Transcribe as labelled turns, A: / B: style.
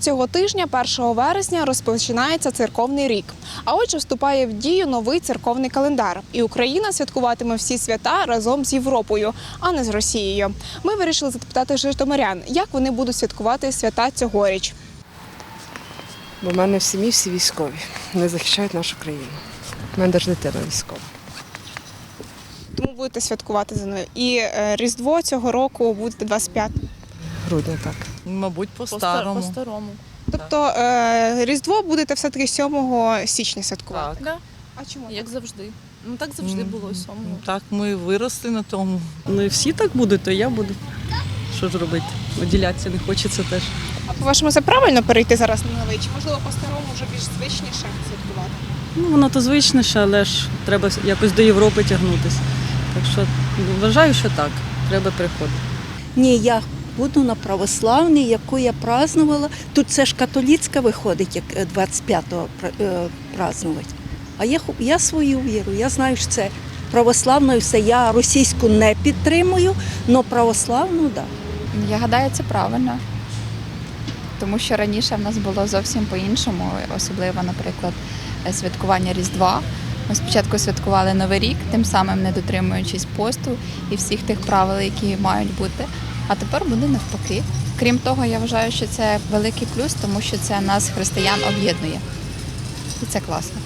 A: Цього тижня, 1 вересня, розпочинається церковний рік. А отже, вступає в дію новий церковний календар. І Україна святкуватиме всі свята разом з Європою, а не з Росією. Ми вирішили запитати житомирян, як вони будуть святкувати свята цьогоріч.
B: Бо в мене в сім'ї всі військові, вони захищають нашу країну. У мене навіть дитина військова.
A: Тому будете святкувати за ними. І Різдво цього року буде 25.
B: Грудня, так.
C: Мабуть, по-старому.
D: По-старому.
A: Тобто Різдво будете все-таки 7 січня святкувати?
C: Так.
D: Да.
A: А чому?
D: Як завжди. Ну так завжди було сьомого.
C: Так, ми виросли на тому.
E: Ну і всі так будуть, то я буду. Що ж робити? Виділятися не хочеться теж.
A: А по-вашому, це правильно перейти зараз на новий? Чи, можливо, по-старому вже більш звичніше святкувати?
E: Ну, воно то звичніше, але ж треба якось до Європи тягнутися. Так що вважаю, що так, треба приходити.
F: Ні, я буду на православній, яку я празднувала. Тут це ж католицька виходить, як 25-го празднувати. А я свою віру, я знаю, що це православною все. Я російську не підтримую, але православну – так.
G: Я гадаю, це правильно. Тому що раніше в нас було зовсім по-іншому, особливо, наприклад, святкування Різдва. Ми спочатку святкували Новий рік, тим самим не дотримуючись посту і всіх тих правил, які мають бути. А тепер буде навпаки. Крім того, я вважаю, що це великий плюс, тому що це нас, християн, об'єднує. І це класно.